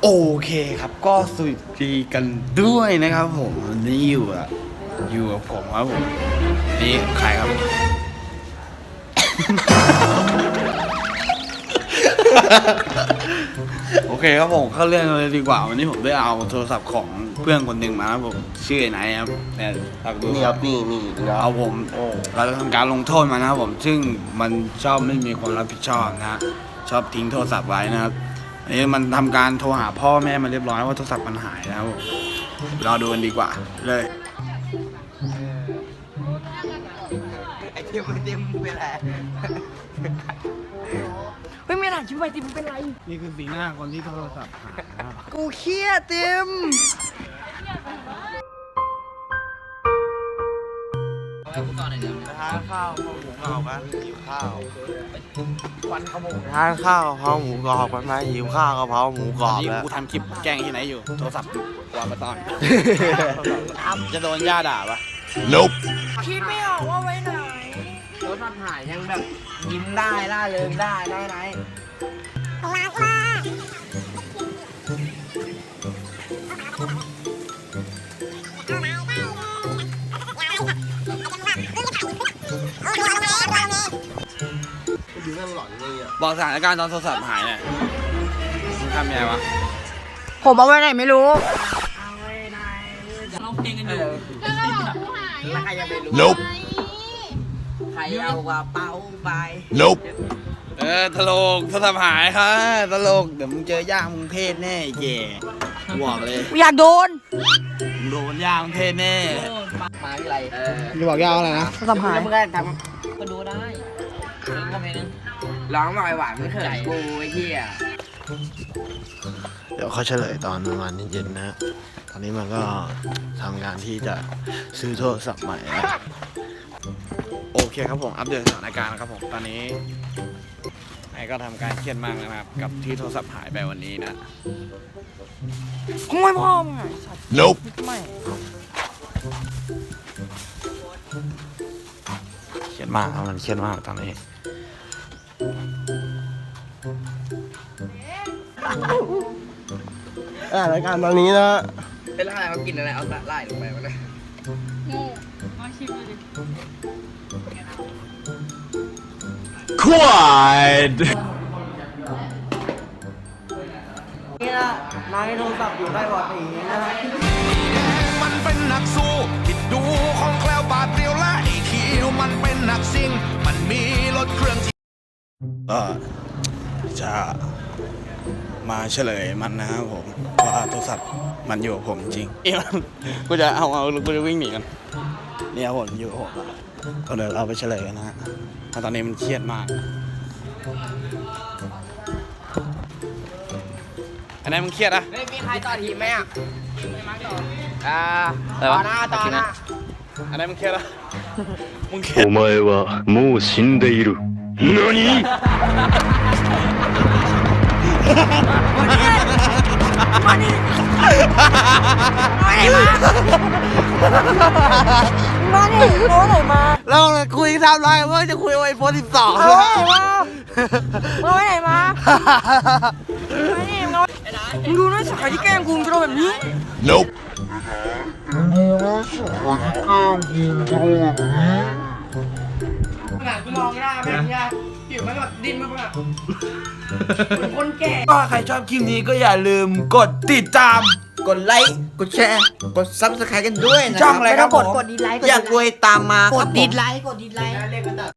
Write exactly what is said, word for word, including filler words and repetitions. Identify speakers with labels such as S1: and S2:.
S1: โอเคครับก็สวัสดีกันด้วยนะครับผมวันนี้อยู่อะอยู่กับผมครับผมนี่ใครครับ โอเคครับผมเข้าเรื่องเลยดีกว่าวันนี้ผมได้เอาโทรศัพท์ของเพื่อนคนหนึ่งมาครับผมชื่อไอ้ไหนครับเนี่ยตักดู
S2: นี่ครับนี่นี่นะ
S1: เอาผมเราจะทำการลงโทษมันนะครับผมซึ่งมันชอบไม่มีความรับผิดชอบนะฮะชอบทิ้งโทรศัพท์ไว้นะครับอันนี้มันทำการโทรหาพ่อแม่มาเรียบร้อยว่าโทรศัพท์มันหายนะครับผมรอดูกันดีกว่าเลย
S2: ไอเทียมไอเทียมเป็นไร
S3: ไม่มีหลังชิบไปติมเป็นไร
S1: นี่คือสีหน้าคนที่โทรศัพท์หายนะครับ
S3: กูเครียดติม
S2: ทานข้าวข้าวหมูกรอบกันหิวข้าววันขโมยทานข้าวกะเพราหมูกรอบกันไหมหิวข้าวกะเพราหมูกรอบ
S1: นี่
S2: แล้ว
S1: กูทำคลิปแกล้งที่ไหนอยู่โทรศัพท์วางมาตอน จะโดนย่าด่าปะ
S2: Nope
S3: คิดไม่ออกว่าไว้ไหน
S4: รถมันหายยังแบบยิ้มได้ล่าเริงได้ได้ไหม
S2: ดูนั่งหลอนเลยอ่ะ
S1: บอกสถานการณ์ตอนโทรศัพท์หายเนี่ยมึงทำยังไงวะ
S3: ผมเอาไว้ไหนไม่รู้
S4: ร้องเพลงกันอยู่
S3: แล้วใครจะไปรู้
S2: Nope
S4: ใครเอากระเป๋าไป
S2: Nope
S1: เออตลกโทรศัพท์หายค่ะตลกเดี๋ยวมึงเจอย่ามึงเทศแน่ไอ้แย่บอกเลย
S3: อยากโดน
S1: มึงโดนย่ามึงเทศแน่
S4: มาที่ไรเออ
S1: จะบอกย่าอะไรนะ
S3: โทรศัพท์หาย
S4: แล้วมึงก็ทำก็ดูได้เพลงก็เพลงนึงร้องหน่อยหวานไม่เขินกูไอ้เหี้ย
S2: เดี๋ยวเขาเฉลยตอนประมาณเย็นๆนะ ตอนนี้มันก็ทำงานที่จะซื้อโทรศัพท์ใหม่แล้ว
S1: โอเคครับผมอัปเดตสถานการณ์ครับผมตอนนี้ไอ้ก็ทำการเครียดมากนะครับ กับที่โทรศัพท์หายไปวันนี้นะ
S3: ขโมยพ่อมึงไงสัตว์
S2: Nope
S3: ไม่
S1: เครียดมากครับมันเครียดมากตอนนี้
S2: อ่ารายการตอนนี้นะ
S4: เป็นอะไรเขากินอะไรเอาสาหร่ายลงไปวะเนี่ย
S2: Quiet
S4: นี่นะนายโทรศัพท์อยู่ได้บ่ตีนะฮะ
S5: มันเป็นนักสู้ที่ดูของแคล้วบาดเดียวและไอ้คิวมันเป็นนักซิ่งมันมีรถเครื่องที่
S1: ก็จะมาเฉลยมันนะครับผมว่าโทรศัพท์มันอยู่กับผมจริงเอ้ยมันกูจะเอาเอากูจะวิ่งหนีกันเนี่ยผมอยู่กับผมอะก็เดี๋ยวเราไปเฉลยกันนะฮะเพราะตอนนี้มันเครียดมากอันไหนมึงเครียดอะ
S4: เฮ้ยมีใครต่อทีมไหมอ่ะอ่าต่อหน้าต่อหน้า
S1: อันไหนมึงเครียดอะมึงเครียด
S6: お前はもう死んでいる。何
S3: มานี่มาไหนมามานี่มาไหนมา
S2: เราคุยทำไรว่าจะคุยไอโฟนสิบสอง
S3: เอาไว้ไหนมาเอาไว้ไหนมามานี่มึงเอามึงดูนะสายที่แกล้งกูมึงจะโดนแบบนี้
S2: Nope
S4: ขนาดกูมองหน้าแม่งเนี่ยผิวมันแบบดิ้นมากแบบเหมือนคนแก่
S1: ก็ใครชอบคลิปนี้ก็อย่าลืมกดติดตาม
S2: กดไลค์ กดแชร์ กดซับสไครต์กันด้วยนะ
S1: ช่องอะไรครับ
S3: กด
S1: ผม
S3: กดดีไลค์
S2: อยากรวยตามมาก
S3: ก
S2: ครั
S3: ด
S2: บผม
S3: ดีไลค์กดดีไลค์